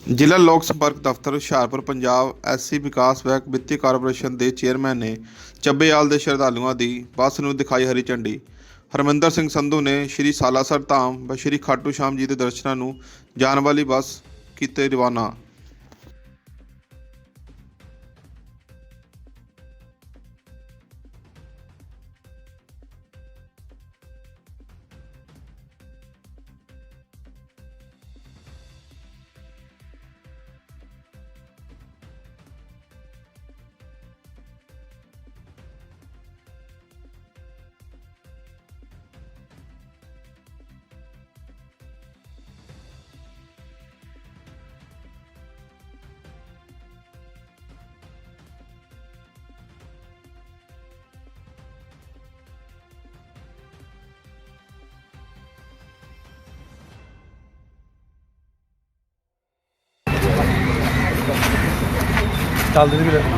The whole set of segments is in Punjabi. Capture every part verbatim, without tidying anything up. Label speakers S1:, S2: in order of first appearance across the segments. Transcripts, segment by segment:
S1: ਜ਼ਿਲ੍ਹਾ ਲੋਕ ਸੰਪਰਕ ਦਫ਼ਤਰ ਹੁਸ਼ਿਆਰਪੁਰ ਪੰਜਾਬ ਐਸ ਸੀ ਵਿਕਾਸ ਬੈਂਕ ਵਿੱਤੀ ਕਾਰਪੋਰੇਸ਼ਨ ਦੇ ਚੇਅਰਮੈਨ ਨੇ ਚੱਬੇਵਾਲ ਦੇ ਸ਼ਰਧਾਲੂਆਂ ਦੀ ਬੱਸ ਨੂੰ ਦਿਖਾਈ ਹਰੀ ਝੰਡੀ। ਹਰਮਿੰਦਰ ਸਿੰਘ ਸੰਧੂ ਨੇ ਸ਼੍ਰੀ ਸਾਲਾਸਰ ਧਾਮ व ਸ਼੍ਰੀ ਖਾਟੂ ਸ਼ਾਮ ਜੀ ਦੇ ਦਰਸ਼ਨਾਂ ਨੂੰ ਜਾਣ ਵਾਲੀ ਬੱਸ ਕੀਤੇ ਰਵਾਨਾ।
S2: ਚੱਲਦੇ ਨੇ ਵੀਰੇ।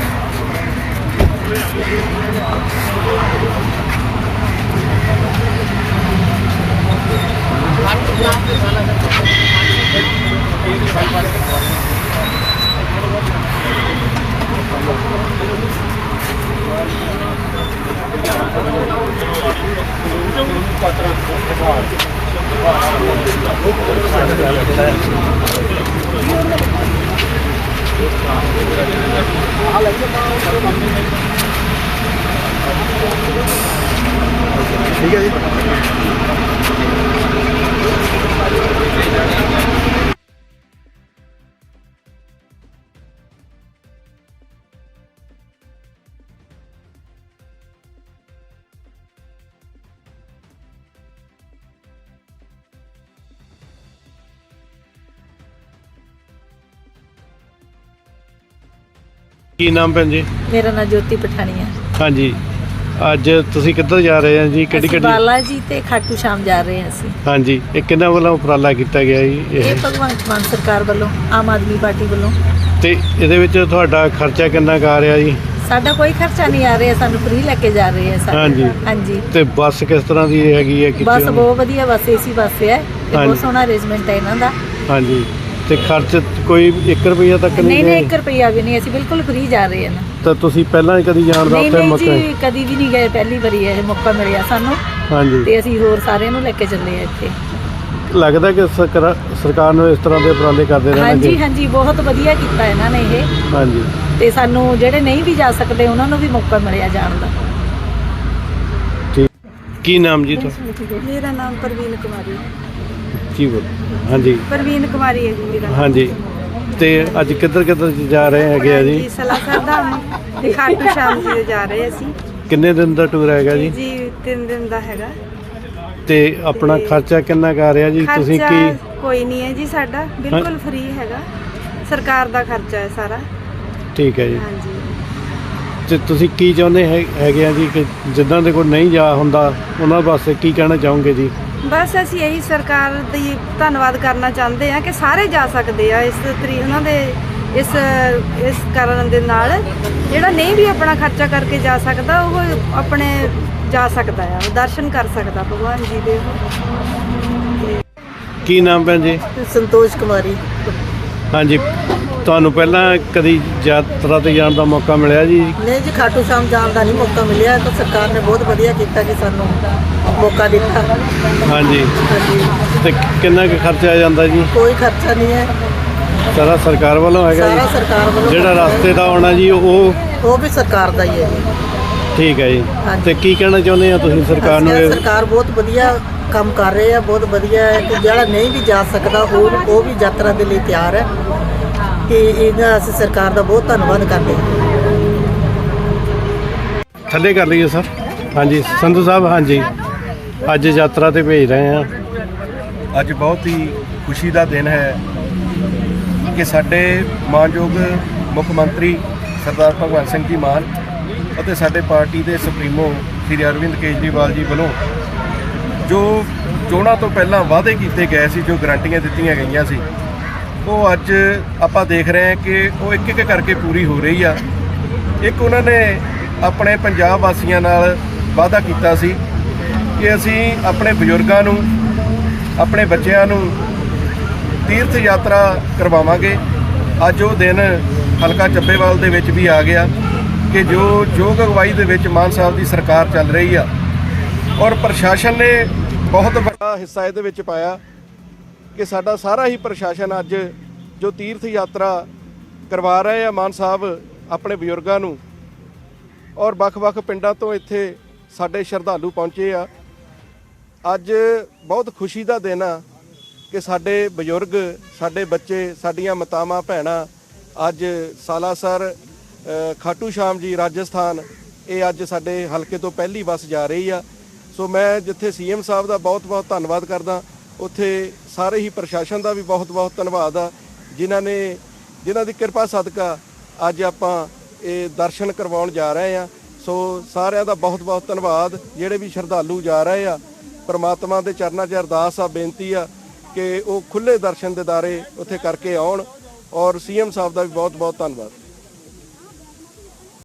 S2: ठीक है जी। ਕੀ ਨਾਮ ਭੈਣ ਜੀ?
S3: ਮੇਰਾ ਨਾਮ ਜੋਤੀ ਪਠਾਣੀਆ।
S2: ਹਾਂਜੀ, ਅੱਜ ਤੁਸੀਂ ਕਿੱਧਰ ਜਾ ਰਹੇ ਹੋ ਜੀ? ਕਿਹੜੀ
S3: ਅਸੀਂ
S2: ਕਿਹੜੀ?
S3: ਬਾਲਾ ਜੀ ਤੇ ਖਾਟੂ ਸ਼ਾਮ ਜਾ ਰਹੇ ਹਾਂ ਅਸੀਂ।
S2: ਹਾਂਜੀ, ਇਹ ਕਿਹਨਾਂ ਵੱਲੋਂ ਉਪਰਾਲਾ ਕੀਤਾ ਗਿਆ ਜੀ?
S3: ਇਹ ਭਗਵੰਤ ਮਾਨ ਸਰਕਾਰ ਵੱਲੋਂ, ਆਮ ਆਦਮੀ ਪਾਰਟੀ ਵੱਲੋਂ।
S2: ਤੇ ਇਹਦੇ ਵਿੱਚ ਤੁਹਾਡਾ ਖਰਚਾ ਕਿੰਨਾ ਕੁ ਆ ਰਿਹਾ ਜੀ?
S3: ਸਾਡਾ ਕੋਈ ਖਰਚਾ ਨਹੀਂ ਆ ਰਿਹਾ, ਸਾਨੂੰ ਫ੍ਰੀ ਲੈ ਕੇ ਜਾ ਰਹੇ ਆ ਸਾਰੇ।
S2: ਹਾਂਜੀ।
S3: ਹਾਂਜੀ।
S2: ਤੇ ਬੱਸ ਕਿਸ ਤਰ੍ਹਾਂ ਦੀ ਹੈਗੀ ਹੈ?
S3: ਬੱਸ ਬਹੁਤ ਵਧੀਆ, ਬੱਸ ਏਸੀ ਬੱਸ ਹੈ ਤੇ ਬਹੁਤ
S2: ਹਾਂਜੀ।
S3: ਸੋਹਣਾ ਅਰੇਂਜਮੈਂਟ ਹੈ ਇਹਨਾਂ ਦਾ।
S2: ਹਾਂਜੀ, ਤੇ ਖਰਚ ਕੋਈ ਇੱਕ ਰੁਪਈਆ ਤੱਕ
S3: ਨਹੀਂ
S2: ਨਹੀਂ?
S3: ਨਹੀਂ, ਇੱਕ ਰੁਪਈਆ ਵੀ ਨਹੀਂ, ਅਸੀਂ ਬਿਲਕੁਲ ਫ੍ਰੀ ਜਾ ਰਹੇ ਹਾਂ।
S2: ਤਾਂ ਤੁਸੀਂ ਪਹਿਲਾਂ ਕਦੀ ਜਾਣ ਦਾ
S3: ਨਹੀਂ
S2: ਉੱਥੇ
S3: ਨਹੀਂ
S2: ਮੌਕਾ?
S3: ਜੀ, ਕਦੀ ਵੀ ਨਹੀਂ ਗਏ, ਪਹਿਲੀ ਵਾਰੀ ਇਹ ਮੌਕਾ ਮਿਲਿਆ ਸਾਨੂੰ।
S2: ਹਾਂਜੀ।
S3: ਤੇ ਅਸੀਂ ਹੋਰ ਸਾਰਿਆਂ ਨੂੰ ਲੈ ਕੇ ਚੱਲੇ ਆ ਇੱਥੇ।
S2: ਲੱਗਦਾ ਕਿ ਸਰਕਾਰ ਸਰਕਾਰ ਨੂੰ ਇਸ ਤਰ੍ਹਾਂ ਦੇ ਉਪਰਾਲੇ ਕਰਦੇ ਰਹਿਣਾ
S3: ਹਾਂਜੀ
S2: ਚਾਹੀਦਾ?
S3: ਹਾਂਜੀ, ਬਹੁਤ ਵਧੀਆ ਕੀਤਾ ਇਹਨਾਂ ਨੇ ਇਹ।
S2: ਹਾਂਜੀ।
S3: ਤੇ ਸਾਨੂੰ ਜਿਹੜੇ ਨਹੀਂ ਵੀ ਜਾ ਸਕਦੇ ਉਹਨਾਂ ਨੂੰ ਵੀ ਮੌਕਾ ਮਿਲਿਆ ਜਾਣ ਦਾ।
S2: ਠੀਕ। ਕੀ ਨਾਮ ਜੀ ਤੁਹਾਡਾ?
S3: ਮੇਰਾ ਨਾਮ ਪ੍ਰਵੀਨ ਕੁਮਾਰੀ।
S2: ਕੀ ਬੋਲ? ਹਾਂਜੀ
S3: ਪ੍ਰਵੀਨ ਕੁਮਾਰੀ ਹੈ ਜੀ ਮੇਰਾ ਨਾਮ।
S2: ਹਾਂਜੀ। ਤੇ ਅੱਜ ਕਿੱਧਰ ਕਿੱਧਰ ਜਾ ਰਹੇ ਹੈਗੇ ਆ ਜੀ?
S3: ਜੀ ਸਾਲਾਸਰ ਧਾਮ ਤੇ ਖਾਟੂ ਸ਼ਾਮ ਜੀ ਜਾ ਰਹੇ ਅਸੀਂ।
S2: ਕਿੰਨੇ ਦਿਨ ਦਾ ਟੂਰ ਹੈਗਾ ਜੀ?
S3: ਜੀ ਤਿੰਨ ਦਿਨ ਦਾ ਹੈਗਾ।
S2: ਤੇ ਆਪਣਾ ਖਰਚਾ ਕਿੰਨਾ ਕੁ ਆ ਰਿਹਾ ਜੀ? ਤੁਸੀਂ
S3: ਖਰਚਾ
S2: ਕੀ?
S3: ਕੋਈ ਨਹੀਂ ਹੈ ਜੀ, ਸਾਡਾ ਬਿਲਕੁਲ ਫ੍ਰੀ ਹੈਗਾ, ਸਰਕਾਰ ਦਾ ਖਰਚਾ ਹੈ ਸਾਰਾ।
S2: ਠੀਕ ਹੈ ਜੀ।
S3: ਹਾਂਜੀ।
S2: ਤੇ ਤੁਸੀਂ ਕੀ ਚਾਹੁੰਦੇ ਹੈ- ਹੈਗੇ ਆ ਜੀ ਕਿ ਜਿੱਦਾਂ ਦੇ ਕੋਈ ਨਹੀਂ ਜਾ ਹੁੰਦਾ ਉਹਨਾਂ ਵਾਸਤੇ ਕੀ ਕਹਿਣਾ ਚਾਹੋਗੇ ਜੀ?
S3: ਬਸ ਅਸੀਂ ਇਹੀ ਸਰਕਾਰ ਦੀ ਧੰਨਵਾਦ ਕਰਨਾ ਚਾਹੁੰਦੇ ਹਾਂ ਕਿ ਸਾਰੇ ਜਾ ਸਕਦੇ ਆ ਇਸ ਤਰੀ ਉਹਨਾਂ ਦੇ ਇਸ ਇਸ ਕਾਰਨ ਦੇ ਨਾਲ। ਜਿਹੜਾ ਨਹੀਂ ਵੀ ਆਪਣਾ ਖਰਚਾ ਕਰਕੇ ਜਾ ਸਕਦਾ ਉਹ ਆਪਣੇ ਜਾ ਸਕਦਾ ਆ, ਦਰਸ਼ਨ ਕਰ ਸਕਦਾ ਭਗਵਾਨ ਜੀ ਦੇ।
S2: ਕੀ ਨਾਮ ਭੈਣ ਜੀ?
S3: ਸੰਤੋਸ਼ ਕੁਮਾਰੀ।
S2: ਹਾਂਜੀ, ਤੁਹਾਨੂੰ ਪਹਿਲਾਂ ਕਦੀ ਯਾਤਰਾ ਤੇ ਜਾਣ ਦਾ ਮੌਕਾ ਮਿਲਿਆ ਜੀ?
S4: ਨਹੀਂ ਜੀ, ਖਾਟੂ ਸ਼ਾਮ ਜਾਣ ਦਾ ਨਹੀਂ ਮੌਕਾ ਮਿਲਿਆ। ਤਾਂ ਸਰਕਾਰ ਨੇ ਬਹੁਤ ਵਧੀਆ ਕੀਤਾ ਕਿ ਸਾਨੂੰ ਮੌਕਾ ਦਿੱਤਾ।
S2: ਹਾਂਜੀ।
S4: ਹਾਂਜੀ।
S2: ਤੇ ਕਿੰਨਾ ਕੁ ਖਰਚਾ ਆ ਜਾਂਦਾ ਜੀ?
S4: ਕੋਈ ਖਰਚਾ ਨਹੀਂ ਹੈ,
S2: ਸਾਰਾ ਸਰਕਾਰ ਵੱਲੋਂ ਹੈਗਾ
S4: ਸਾਰਾ
S2: ਜੀ?
S4: ਸਰਕਾਰ ਵੱਲੋਂ।
S2: ਜਿਹੜਾ ਰਸਤੇ ਦਾ ਆਉਣਾ ਜੀ ਉਹ?
S4: ਉਹ ਵੀ ਸਰਕਾਰ ਦਾ ਹੀ ਹੈ ਜੀ।
S2: ਠੀਕ ਹੈ ਜੀ।
S4: ਹਾਂਜੀ।
S2: ਤੇ ਕੀ ਕਹਿਣਾ ਚਾਹੁੰਦੇ ਆ ਤੁਸੀਂ ਸਰਕਾਰ ਨੂੰ?
S4: ਅਸੀਂ
S2: ਇਹ-
S4: ਸਰਕਾਰ ਬਹੁਤ ਵਧੀਆ ਕੰਮ ਕਰ ਰਹੇ ਆ, ਬਹੁਤ ਵਧੀਆ ਹੈ ਕਿ ਜਿਹੜਾ ਨਹੀਂ ਵੀ ਜਾ ਸਕਦਾ ਉਹ ਉਹ ਵੀ ਯਾਤਰਾ ਦੇ ਲਈ ਤਿਆਰ ਹੈ। ਤੇ ਇਹਦਾ ਅਸੀਂ ਸਰਕਾਰ ਦਾ ਬਹੁਤ ਧੰਨਵਾਦ ਕਰਦੇ ਹਾਂ।
S2: ਥੱਲੇ ਕਰ ਲਈਏ ਸਰ। ਹਾਂਜੀ ਸੰਧੂ ਸਾਹਿਬ। ਹਾਂਜੀ, ਅੱਜ ਯਾਤਰਾ ਤੇ ਭੇਜ ਰਹੇ ਹਾਂ।
S5: ਅੱਜ ਬਹੁਤ ਹੀ ਖੁਸ਼ੀ ਦਾ ਦਿਨ ਹੈ ਕਿ ਸਾਡੇ ਮਾਨਯੋਗ ਮੁੱਖ ਮੰਤਰੀ ਸਰਦਾਰ ਭਗਵੰਤ ਸਿੰਘ ਜੀ ਮਾਨ ਅਤੇ ਸਾਡੇ ਪਾਰਟੀ ਦੇ ਸੁਪਰੀਮੋ ਸ਼੍ਰੀ ਅਰਵਿੰਦ ਕੇਜਰੀਵਾਲ ਜੀ ਵੱਲੋਂ ਜੋ ਚੋਣਾਂ ਤੋਂ ਪਹਿਲਾਂ ਵਾਅਦੇ ਕੀਤੇ ਗਏ ਸੀ, ਜੋ ਗਰੰਟੀਆਂ ਦਿੱਤੀਆਂ ਗਈਆਂ ਸੀ, ਉਹ ਅੱਜ ਆਪਾਂ ਦੇਖ ਰਹੇ ਹਾਂ ਕਿ ਉਹ ਇੱਕ ਇੱਕ ਕਰਕੇ ਪੂਰੀ ਹੋ ਰਹੀ ਆ। ਇੱਕ ਉਹਨਾਂ ਨੇ ਆਪਣੇ ਪੰਜਾਬ ਵਾਸੀਆਂ ਨਾਲ ਵਾਅਦਾ ਕੀਤਾ ਸੀ ਕਿ ਅਸੀਂ ਆਪਣੇ ਬਜ਼ੁਰਗਾਂ ਨੂੰ, ਆਪਣੇ ਬੱਚਿਆਂ ਨੂੰ ਤੀਰਥ ਯਾਤਰਾ ਕਰਵਾਵਾਂਗੇ। ਅੱਜ ਉਹ ਦਿਨ ਹਲਕਾ ਚੱਬੇਵਾਲ ਦੇ ਵਿੱਚ ਵੀ ਆ ਗਿਆ ਕਿ ਜੋ ਯੋਗ ਅਗਵਾਈ ਦੇ ਵਿੱਚ ਮਾਨ ਸਾਹਿਬ ਦੀ ਸਰਕਾਰ ਚੱਲ ਰਹੀ ਆ ਔਰ ਪ੍ਰਸ਼ਾਸਨ ਨੇ ਬਹੁਤ ਵੱਡਾ ਹਿੱਸਾ ਇਹਦੇ ਵਿੱਚ ਪਾਇਆ ਕਿ ਸਾਡਾ ਸਾਰਾ ਹੀ ਪ੍ਰਸ਼ਾਸਨ ਅੱਜ ਜੋ ਤੀਰਥ ਯਾਤਰਾ ਕਰਵਾ ਰਹੇ ਆ ਮਾਨ ਸਾਹਿਬ ਆਪਣੇ ਬਜ਼ੁਰਗਾਂ ਨੂੰ ਔਰ ਵੱਖ-ਵੱਖ ਪਿੰਡਾਂ ਤੋਂ ਇੱਥੇ ਸਾਡੇ ਸ਼ਰਧਾਲੂ ਪਹੁੰਚੇ ਆ। ਅੱਜ ਬਹੁਤ ਖੁਸ਼ੀ ਦਾ ਦਿਨ ਆ ਕਿ ਸਾਡੇ ਬਜ਼ੁਰਗ, ਸਾਡੇ ਬੱਚੇ, ਸਾਡੀਆਂ ਮਾਤਾਵਾਂ ਭੈਣਾਂ ਅੱਜ ਸਾਲਾਸਰ ਖਾਟੂ ਸ਼ਾਮ ਜੀ ਰਾਜਸਥਾਨ ਇਹ ਅੱਜ ਸਾਡੇ ਹਲਕੇ ਤੋਂ ਪਹਿਲੀ ਬੱਸ ਜਾ ਰਹੀ ਆ। ਸੋ ਮੈਂ ਜਿੱਥੇ ਸੀਐਮ ਸਾਹਿਬ ਦਾ ਬਹੁਤ-ਬਹੁਤ ਧੰਨਵਾਦ ਕਰਦਾ, ਉੱਥੇ ਸਾਰੇ ਹੀ ਪ੍ਰਸ਼ਾਸਨ ਦਾ ਵੀ ਬਹੁਤ-ਬਹੁਤ ਧੰਨਵਾਦ ਆ ਜਿਨ੍ਹਾਂ ਨੇ ਜਿਨ੍ਹਾਂ ਦੀ ਕਿਰਪਾ ਸਦਕਾ ਅੱਜ ਆਪਾਂ ਇਹ ਦਰਸ਼ਨ ਕਰਵਾਉਣ ਜਾ ਰਹੇ ਆ। ਸੋ ਸਾਰਿਆਂ ਦਾ ਬਹੁਤ-ਬਹੁਤ ਧੰਨਵਾਦ। ਜਿਹੜੇ ਵੀ ਸ਼ਰਧਾਲੂ ਜਾ ਰਹੇ ਆ, ਪ੍ਰਮਾਤਮਾ ਦੇ ਚਰਨਾਂ 'ਚ ਅਰਦਾਸ ਆ, ਬੇਨਤੀ ਆ ਕਿ ਉਹ ਖੁੱਲ੍ਹੇ ਦਰਸ਼ਨ ਦਿਦਾਰੇ ਉੱਥੇ ਕਰਕੇ ਆਉਣ ਔਰ ਸੀਐਮ ਸਾਹਿਬ ਦਾ ਵੀ ਬਹੁਤ-ਬਹੁਤ ਧੰਨਵਾਦ।